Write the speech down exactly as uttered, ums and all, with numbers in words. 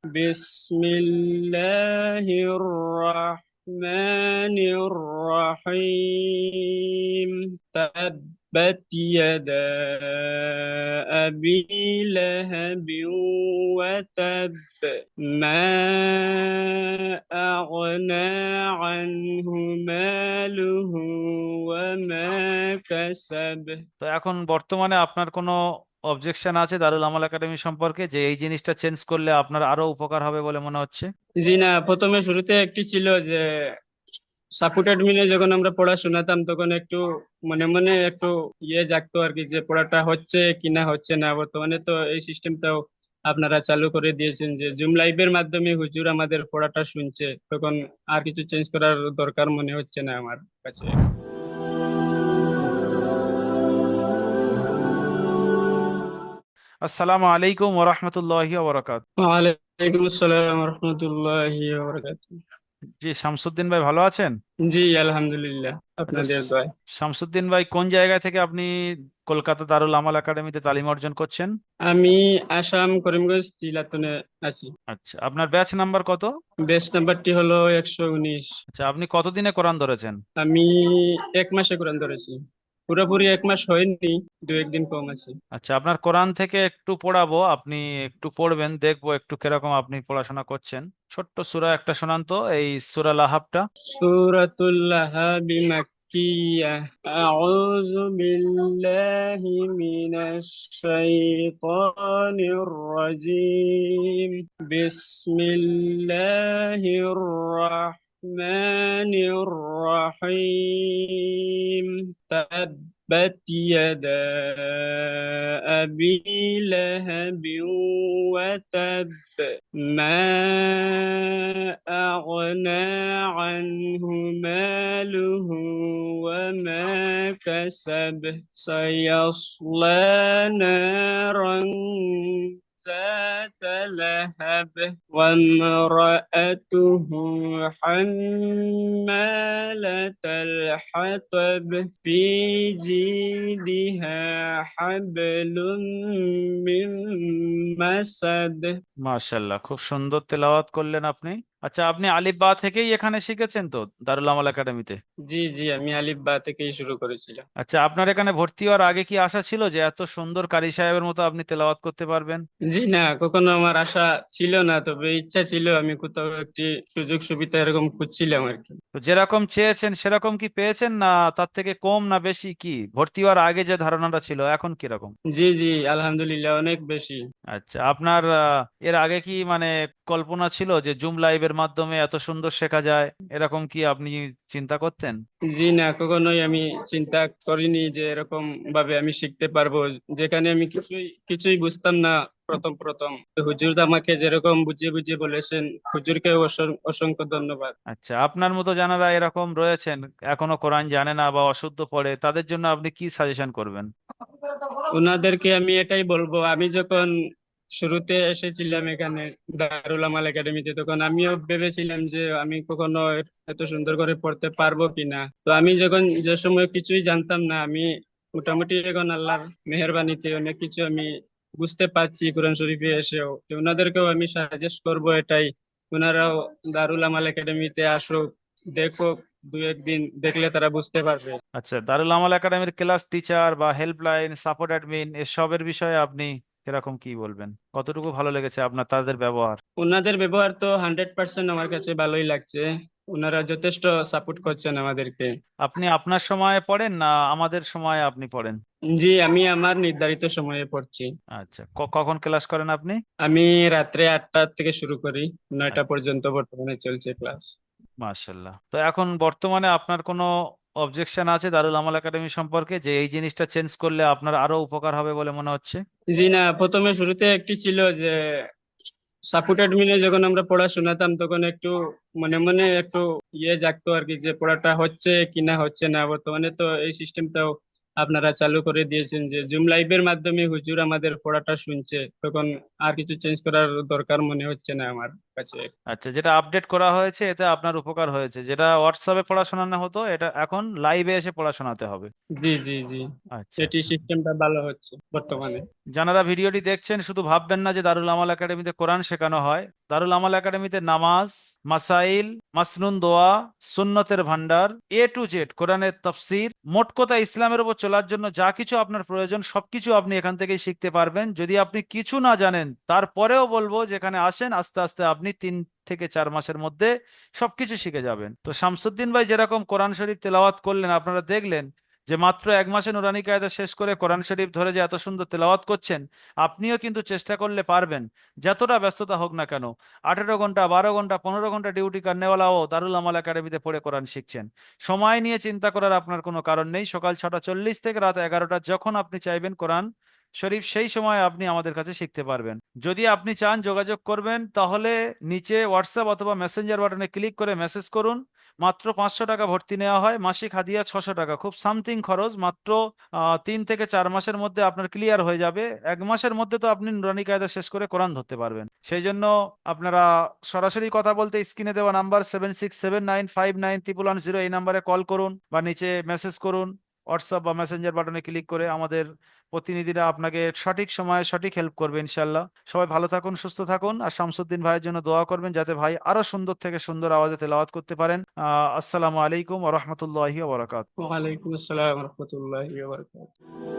بسم الله الرحمن الرحيم تبت يدا أبي لهب وتب ما أغنى عنه ماله وما كسب। তো এখন বর্তমানে আপনার কোনো অবজেকশন আছে দারুল আমাল একাডেমি সম্পর্কে, যে এই জিনিসটা চেঞ্জ করলে আপনার আরো উপকার হবে বলে মনে হচ্ছে? জি না, প্রথমে শুরুতে একটি ছিল যে সাপোর্টেড মিলে যখন আমরা পড়া শোনাতাম তখন একটু মনে মনে একটু ইয়ে জাগতো আর কি, যে পড়াটা হচ্ছে কিনা হচ্ছে না। বর্তমানে তো এই সিস্টেমটাও আপনারা চালু করে দিয়েছেন যে জুম লাইভের মাধ্যমে হুজুর আমাদের পড়াটা শুনছে, তখন আর কিছু চেঞ্জ করার দরকার মনে হচ্ছে না আমার কাছে। আসসালামু আলাইকুম ওরহমতুল্লাহি ওবরাকাত। ওয়ালাইকুম আসসালাম রহমতুল্লাহি জি, শামসুদ্দিন ভাই ভালো আছেন? জি আলহামদুলিল্লাহ, আচ্ছা, আপনাদের শ- দোয়ায়। শামসুদ্দিন ভাই কোন জায়গা থেকে আপনি কলকাতা দারুল আমাল একাডেমিতে তালিম অর্জন করছেন? আমি আসাম করিমগঞ্জ জিলাতনে আছি। আচ্ছা, আপনার ব্যাচ নাম্বার কত? বেস নাম্বারটি হলো একশো উনিশ। আচ্ছা, আপনি কতদিনে কোরআন ধরেছেন? আমি এক মাসে কোরআন ধরেছি, পুরোপুরি এক মাস হয়নি, দু একদিন কম আছে। আচ্ছা, আপনার কোরআন থেকে একটু পড়াবো, আপনি একটু পড়বেন, দেখবো একটু কিরকম আপনি পড়াশোনা করছেন। ছোট্ট সূরা একটা শোনান তো, এই সূরা লাহাবটা। সূরাতুল লাহাব মাক্কিয়াহ। আউযু বিল্লাহি মিনাশ শাইতানির রাজিম। বিসমিল্লাহির রাহমানির রাহিম। تبت يدا أبي لهب وتب ما أغنى عنه ماله وما كسب سيصلى نارا ذات لهب وامرأته حمالة الحطب في جيدها حبل من مسد। মাশাল্লাহ, খুব সুন্দর তেলাওয়াত করলেন আপনি। আচ্ছা, আপনি আলিফ বা থেকেই এখানে শিখেছেন তো দারুল আমাল একাডেমিতে? জি জি, আমি আলিফ বা থেকেই শুরু করেছিলাম। আচ্ছা, আপনার এখানে ভর্তি হওয়ার আগে কি আশা ছিল যে এত সুন্দর কারি সাহেবের মতো আপনি তেলাওয়াত করতে পারবেন? জি না, কখনো আমার আশা ছিল না, তবে ইচ্ছা ছিল, আমি কোথাও একটি সুযোগ সুবিধা এরকম খুঁজছিলাম আর কি। তো যেরকম চেয়েছেন সেরকম কি পেয়েছেন, না তার থেকে কম না বেশি? কি ভর্তি হওয়ার আগে যে ধারণাটা ছিল এখন কিরকম? জি জি আলহামদুলিল্লাহ, অনেক বেশি। আচ্ছা, আপনার আহ, এর আগে কি মানে কল্পনা ছিল যে জুম লাইভের মাধ্যমে এত সুন্দর শেখা যায়, এরকম কি আপনি চিন্তা করতেন? জি না, কখনোই আমি চিন্তা করিনি যে এরকম ভাবে আমি শিখতে পারবো, যেখানে আমি কিছুই কিছুই বুঝতাম না প্রথম প্রথম। তো হুজুর আমাকে যেরকম বুঝিয়ে বুঝিয়ে বলেছেন, হুজুরকে অসং- অসংখ্য ধন্যবাদ। আচ্ছা, আপনার মতো যারা এরকম রয়েছেন, এখনো কোরআন জানে না বা অশুদ্ধ পড়ে, তাদের জন্য আপনি কি সাজেশন করবেন? ওনাদেরকে আমি এটাই বলবো, আমি যখন শুরুতে এসেছিলাম এখানে দারুল আমাল একাডেমিতে, তখন আমিও ভেবেছিলাম যে আমি কখনো এত সুন্দর করে পড়তে পারবো কিনা। তো আমি যখন যে সময় কিছুই জানতাম না, আমি মোটামুটি এখন আল্লাহর মেহেরবানিতে অনেক কিছু আমি বুঝতে পারছি কোরআন শরীফে এসেও। তো ওনাদেরকেও আমি সাজেস্ট করবো এটাই, ওনারাও দারুল আমাল একাডেমিতে আসুক, দেখো, দু একদিন দেখলে তারা বুঝতে পারবে। আচ্ছা, দারুল আমাল একাডেমির ক্লাস টিচার বা হেল্পলাইন, সাপোর্ট অ্যাডমিন এসবের বিষয়ে আপনি কিরকম কি বলবেন? কতটুকু ভালো লেগেছে আপনার তাদের ব্যবহার? ওনাদের ব্যবহার তো হান্ড্রেড পার্সেন্ট আমার কাছে ভালোই লাগছে, ওনারা যথেষ্ট সাপোর্ট করছেন আমাদেরকে। আপনি আপনার সময়ে পড়েন না আমাদের সময়ে আপনি পড়েন? জি, আমি আমার নির্ধারিত সময়ে পড়ছি। আচ্ছা, ক- কখন ক্লাস করেন আপনি? আমি রাত্রে আটটা থেকে শুরু করি, নয়টা আচ্ছা, পর্যন্ত বর্তমানে চলছে ক্লাস। মাশাল্লাহ। তো এখন বর্তমানে আপনার কোনো অবজেকশন আছে দারুল আমাল একাডেমি সম্পর্কে, যে এই জিনিসটা চেঞ্জ করলে আপনার আরো উপকার হবে বলে মনে হচ্ছে? জি না, প্রথমে শুরুতে একটি ছিল যে সাপোর্টেড মিলে যখন আমরা পড়া শোনাতাম তখন একটু মনে মনে একটু ইয়ে জাগতো আর কি, যে পড়াটা হচ্ছে কিনা হচ্ছে না। বর্তমানে তো এই সিস্টেমটাও আপনারা চালু করে দিয়েছেন যে জুম লাইভের মাধ্যমে হুজুর আমাদের পড়াটা শুনছে, তখন আর কিছু চেঞ্জ করার দরকার মনে হচ্ছে না আমার কাছে। আচ্ছা, যেটা আপডেট করা হয়েছে এতে আপনার উপকার হয়েছে, যেটা হোয়াটসঅ্যাপে পড়াশোনানো হতো এটা এখন লাইভে এসে পড়াশোনাতে হবে। জি জি জি, আচ্ছা এটি আচ্ছা। সিস্টেমটা ভালো হচ্ছে আচ্ছা, বর্তমানে। যারা ভিডিওটি দেখছেন শুধু ভাববেন না যে দারুল আমাল একাডেমিতে কোরআন শেখানো হয়। দারুল আমাল একাডেমিতে নামাজ, মাসাইল, মাসনুন দোয়া, সুন্নতের ভান্ডার, এ টু জেড কোরআনের তাফসীর, মোট কথা ইসলামের উপর চলার জন্য যা কিছু আপনার প্রয়োজন সবকিছু আপনি এখান থেকেই শিখতে পারবেন। যদি আপনি কিছু না জানেন তারপরেও বলবো যেখানে আসেন, আস্তে আস্তে আপনি তিন থেকে চার মাসের মধ্যে সবকিছু শিখে যাবেন। তো শামসুদ্দিন ভাই যেরকম কোরআন শরীফ তেলাওয়াত করলেন, আপনারা দেখলেন যে মাত্র এক মাসে নুরানি কায়দা শেষ করে কোরআন শরীফ ধরে যে এত সুন্দর তেলাওয়াত করছেন, আপনিও কিন্তু চেষ্টা করলে পারবেন। যতটা ব্যস্ততা হোক না কেন, আঠেরো ঘন্টা, বারো ঘন্টা, পনেরো ঘন্টা ডিউটি করনেওয়ালাও দারুল আমাল একাডেমিতে পড়ে কোরআন শিখছেন। সময় নিয়ে চিন্তা করার আপনার কোনো কারণ নেই। সকাল ছটা চল্লিশ থেকে রাত এগারোটা যখন আপনি চাইবেন কোরআন শরীফ সেই সময় আপনি আমাদের কাছে শিখতে পারবেন। যদি আপনি চান যোগাযোগ করবেন, তাহলে নিচে হোয়াটসঅ্যাপ অথবা মেসেঞ্জার বাটনে ক্লিক করে মেসেজ করুন। মাত্র পাঁচশো টাকা ভর্তি নেওয়া হয়, মাসিক হাদিয়া ছশো টাকা, খুব সামথিং খরচ। মাত্র আহ, তিন থেকে চার মাসের মধ্যে আপনার ক্লিয়ার হয়ে যাবে। এক মাসের মধ্যে তো আপনি নুরানি কায়দা শেষ করে কোরআন ধরতে পারবেন। সেই জন্য আপনারা সরাসরি কথা বলতে স্ক্রিনে দেওয়া number seven six seven nine five nine triple one zero এই নাম্বারে কল করুন বা নিচে মেসেজ করুন হোয়াটসঅ্যাপ বা মেসেঞ্জার বাটনে ক্লিক করে। আমাদের প্রতিনিধিরা আপনাকে সঠিক সময়ে সঠিক হেল্প করবে ইনশাল্লাহ। সবাই ভালো থাকুন, সুস্থ থাকুন, আর শামসুদ্দিন ভাইয়ের জন্য দোয়া করবেন যাতে ভাই আরো সুন্দর থেকে সুন্দর আওয়াজে তেলাওয়াত করতে পারেন। আহ আসসালামু আলাইকুম ওয়া রাহমাতুল্লাহি ওয়া বারাকাতুহু। ওয়ালাইকুম আসসালাম রহমতুল্লাহি ওয়া বারাকাতুহু।